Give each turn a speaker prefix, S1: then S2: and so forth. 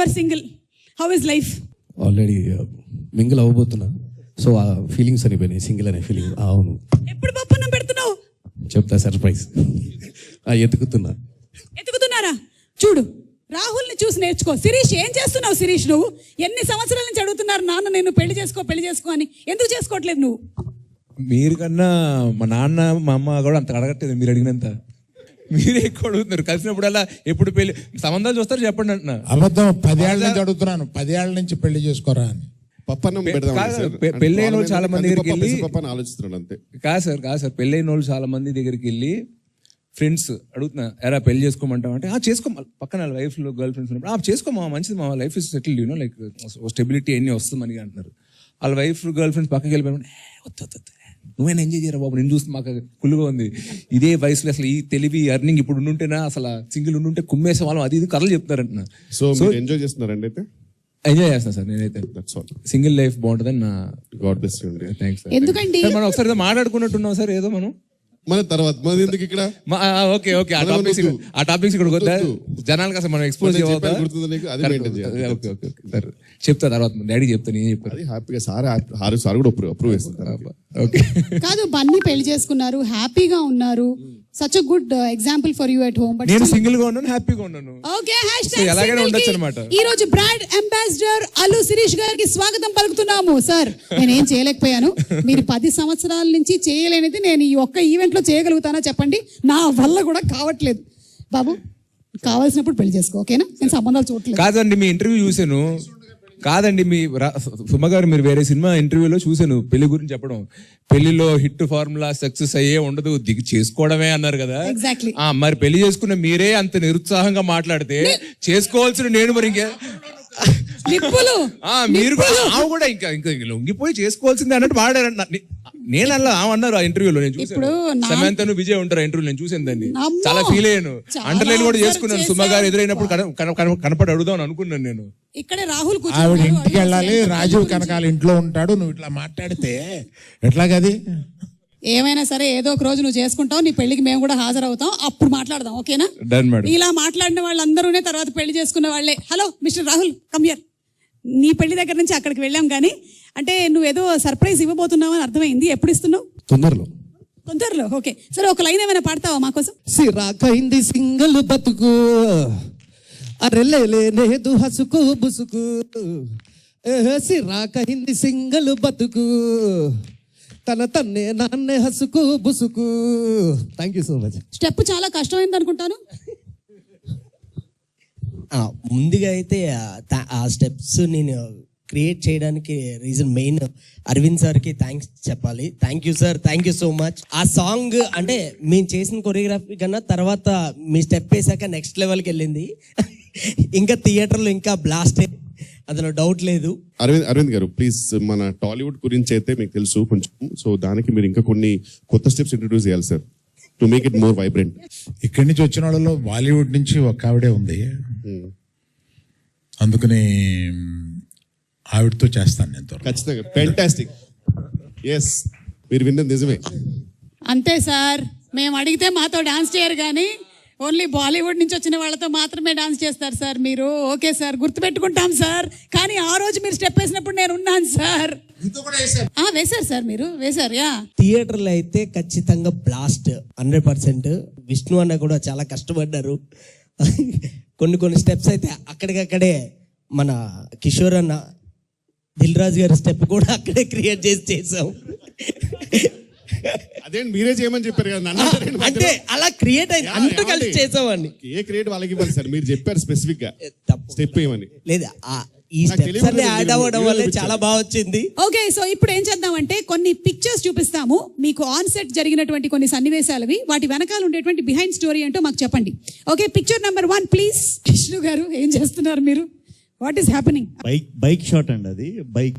S1: Are single, how is life?
S2: Already mingle అవ్వబోతున్నా, so ఆ feelings అనిపోయినాయి, single అనే feeling. అవును,
S1: ఎప్పుడు పప్పున్నం పెడుతున్నావు?
S2: చెప్తా, సర్ప్రైజ్.
S1: ఎత్తుకుతున్నారా? చూడు, రాహుల్ని చూసి నేర్చుకో. శిరీష్, ఏం చేస్తున్నావు శిరీష్? నువ్వు ఎన్ని సంవత్సరాల నుంచి అడుగుతున్నారు నాన్న నేను పెళ్లి చేసుకో అని, ఎందుకు చేసుకోవట్లేదు నువ్వు?
S3: మీరు కన్నా మా నాన్న మా అమ్మ కూడా అంత అడగట్లేదు మీరు అడిగినంత. మీరే ఎక్కువ అడుగుతున్నారు. కలిసినప్పుడల్లా ఎప్పుడు పెళ్లి సంబంధాలు చూస్తారు చెప్పండి అంటున్నా.
S4: అబద్ధం. 10 ఏళ్ళ నుంచి అడుగుతున్నాను, 10 ఏళ్ళ నుంచి పెళ్లి చేసుకోరా అని.
S3: పెళ్ళైన వాళ్ళు చాలా మంది దగ్గరికి వెళ్ళి
S5: ఆలోచిస్తున్నాడు అంతే.
S3: కాదు సార్ పెళ్ళైన వాళ్ళు చాలా మంది దగ్గరికి వెళ్ళి ఫ్రెండ్స్ అడుగుతున్నా, ఎరా పెళ్లి చేసుకోమంటావు అంటే చేసుకో, పక్కన వైఫ్ గర్ల్ ఫ్రెండ్స్ ఉన్నప్పుడు చేసుకోమా, మంచిది మా life is settled, you know like stability అన్ని వస్తుందని అంటున్నారు. వాళ్ళ వైఫ్ గర్ల్ ఫ్రెండ్స్ పక్కకి వెళ్ళిపోయి వద్దు నువ్వైనా ఎంజాయ్ చేయరా బాబు, నేను చూస్తే మాకు కుళ్ళుగా ఉంది. ఇదే వయసులో అసలు ఈ తెలివి అర్నింగ్ ఇప్పుడు ఉండుంటేనా, అసలు సింగిల్ ఉండుంటే కుమ్మేసే వాళ్ళం, అది ఇది కథలు చెప్తారంటున్నా.
S5: సో ఎంజాయ్ చేస్తున్నారండి? అయితే
S3: ఎంజాయ్ చేస్తాను సార్ నేనైతే. సింగిల్ లైఫ్ బాగుంటుందని నా
S5: God bless you.
S3: Thanks sir.
S1: ఎందుకండి
S3: మనం ఒకసారి మాట్లాడుకున్నట్టున్నాం సార్ ఏదో మనం
S5: మన తర్వాత మన ఎందుకు ఇక్కడ.
S3: ఓకే ఆ టాపిక్స్ ఇక్కడ వద్దా, జనాలకు అసలు మనం ఎక్స్పోజ్ సార్. చెప్తా తర్వాత డాడీ చెప్తాను, ఏం చెప్తాను
S5: హ్యాపీగా. సార్ కూడా అప్రూవ్ చేస్తారు.
S3: ఓకే
S1: కాదు, బన్నీ పెళ్లి చేసుకున్నారు, హ్యాపీగా ఉన్నారు. Such a good example for you at home. But
S3: నేను సింగిల్ గా ఉన్నాను, హ్యాపీగా ఉన్నాను.
S1: ఓకే,
S3: ఎలాగైనా ఉండొచ్చు అన్నమాట.
S1: ఈ రోజు బ్రాండ్ అంబాసిడర్ అల్లు శిరీష్ గారికి స్వాగతం పలుకుతున్నాము. సార్, నేనేం చేయలేకపోయాను, మీరు 10 సంవత్సరాల నుంచి చేయలేనిది నేను ఈ ఒక్క ఈవెంట్ లో చేయగలుగుతానా చెప్పండి? నా వల్ల కూడా కావట్లేదు. బాబు, కావాల్సినప్పుడు పెళ్లి చేసుకో, ఓకేనా? నేను సంబంధాలు చూడలేదు.
S3: కాదండి, మీ ఇంటర్వ్యూ చూసాను. కాదండి, మీ సుమ గారు మీరు వేరే సినిమా ఇంటర్వ్యూలో చూసాను పెళ్లి గురించి చెప్పడం. పెళ్లిలో హిట్ ఫార్ములా సక్సెస్ అయ్యే ఉండదు, దిగి చేసుకోవడమే అన్నారు కదా.
S1: ఎగ్జాక్ట్లీ.
S3: మరి పెళ్లి చేసుకున్న మీరే అంత నిరుత్సాహంగా మాట్లాడితే చేసుకోవాల్సిన నేను మరి ఇంకా మీరు కూడా ఇంకా లొంగిపోయి చేసుకోవాల్సిందే అన్నట్టు వాడారంట. నేను అలా అన్నారు ఆ ఇంటర్వ్యూలో. నేను చూసాను, సమంతను విజయ్ ఉంటారు ఇంటర్వ్యూ, నేను చూసాను దాన్ని, చాలా ఫీల్ అయ్యాను. అండర్లైన్ కూడా చేసుకున్నాను. సుమ గారు ఎదురైనప్పుడు కనపడి అడుగుదాం అనుకున్నాను నేను.
S1: ఇక్కడే రాహుల్
S4: ఆవిడ ఇంటికి వెళ్ళాలి, రాజీవ్ కనకాల ఇంట్లో ఉంటాడు, నువ్వు ఇట్లా మాట్లాడితే ఎట్లాగది?
S1: ఏమైనా సరే ఏదో ఒక రోజు నువ్వు చేసుకుంటావు, నీ పెళ్లికి మేము కూడా హాజరవుతాం, అప్పుడు మాట్లాడదాం, ఓకేనా? ఇలా మాట్లాడిన వాళ్ళందరూనే తర్వాత పెళ్లి చేసుకున్న వాళ్ళే. Hello mister Rahul, come here. నీ పెళ్లి దగ్గర నుంచి అక్కడికి వెళ్ళాం కానీ, అంటే నువ్వేదో సర్ప్రైజ్ ఇవ్వబోతున్నావు అని అర్థమైంది. ఎప్పుడు ఇస్తున్నావు? తొందరలో. ఓకే, సరే ఒక లైన్ ఏమైనా పాడతావా మా కోసం?
S2: సిరాకైంది సింగల్ బతుకు, అరెలేలేదు హసుకు బుసుకు, సిరాకైంది సింగల్ బతుకు, తన తన్నే నాన్నే హసుకు బుసుకు. Thank you so much.
S1: Step చాలా కష్టమైంది అనుకుంటాను.
S6: ముందుగా అయితే ఆ స్టెప్స్ నేను క్రియేట్ చేయడానికి రీజన్ మెయిన్ అరవింద్ సార్కి థ్యాంక్స్ చెప్పాలి. Thank you sir, thank you so much. ఆ సాంగ్ అంటే మేము చేసిన కొరియోగ్రఫీ కన్నా తర్వాత మీ స్టెప్ వేసాక నెక్స్ట్ లెవెల్కి వెళ్ళింది. ఇంకా థియేటర్లో ఇంకా బ్లాస్ట్, అందులో డౌట్ లేదు.
S5: అరవింద్ గారు ప్లీజ్, మన టాలీవుడ్ గురించి అయితే మీకు తెలుసు కొంచెం, సో దానికి మీరు ఇంకా కొన్ని కొత్త స్టెప్స్ ఇంట్రడ్యూస్ చేయాలి sir, to make it more vibrant.
S4: ఇక్కడి నుంచి వచ్చిన వాళ్ళలో బాలీవుడ్ నుంచి ఒక ఆవిడే ఉంది, అందుకని ఆవిడతో చేస్తాను నేను
S5: ఖచ్చితంగా. ఫ్యాంటాస్టిక్. ఎస్, మీరు విన్నది నిజమే.
S1: అంతే సార్, మేము అడిగితే మాతో డాన్స్ చేయరు కానీ ఓన్లీ బాలీవుడ్ నుంచి వచ్చిన వాళ్ళతో మాత్రమే డాన్స్ చేస్తారు సార్ మీరు. Okay sir, గుర్తుపెట్టుకుంటాం sir. కానీ ఆ రోజు మీరు స్టెప్ వేసినప్పుడు నేను ఉన్నాను సార్. వేశారు సార్, మీరు వేశారు.
S6: థియేటర్లో అయితే ఖచ్చితంగా బ్లాస్ట్ 100%. విష్ణు అన్న కూడా చాలా కష్టపడ్డారు. కొన్ని స్టెప్స్ అయితే అక్కడికక్కడే మన కిషోర్ అన్న, దిల్ రాజు గారి స్టెప్ కూడా అక్కడే క్రియేట్ చేసాం.
S5: అదే మీరే చేయమని చెప్పారు కదా,
S6: అంటే అలా క్రియేట్ అయింది, అందరూ కలిసి చేసామని.
S5: ఏ క్రియేట్ వాళ్ళకి ఇవ్వాలి సార్, మీరు చెప్పారు స్పెసిఫిక్ గా స్టెప్ ఏమని.
S6: లేదా ఈ స్టెప్స్ అన్ని యాడ్ అవ్వడం వల్ల చాలా బాగా వచ్చింది.
S1: ఓకే, సో ఇప్పుడు ఏం చేద్దామంటే కొన్ని పిక్చర్స్ చూపిస్తాము మీకు, ఆన్ సెట్ జరిగినటువంటి కొన్ని సన్నివేశాలవి, వాటి వెనకాల ఉండేటువంటి బిహైండ్ స్టోరీ ఏంటో మాకు చెప్పండి. Okay, picture number 1 please. Vishnu గారు ఏం చేస్తున్నారు మీరు? What is happening?
S7: Bike shot అండి, అది బైక్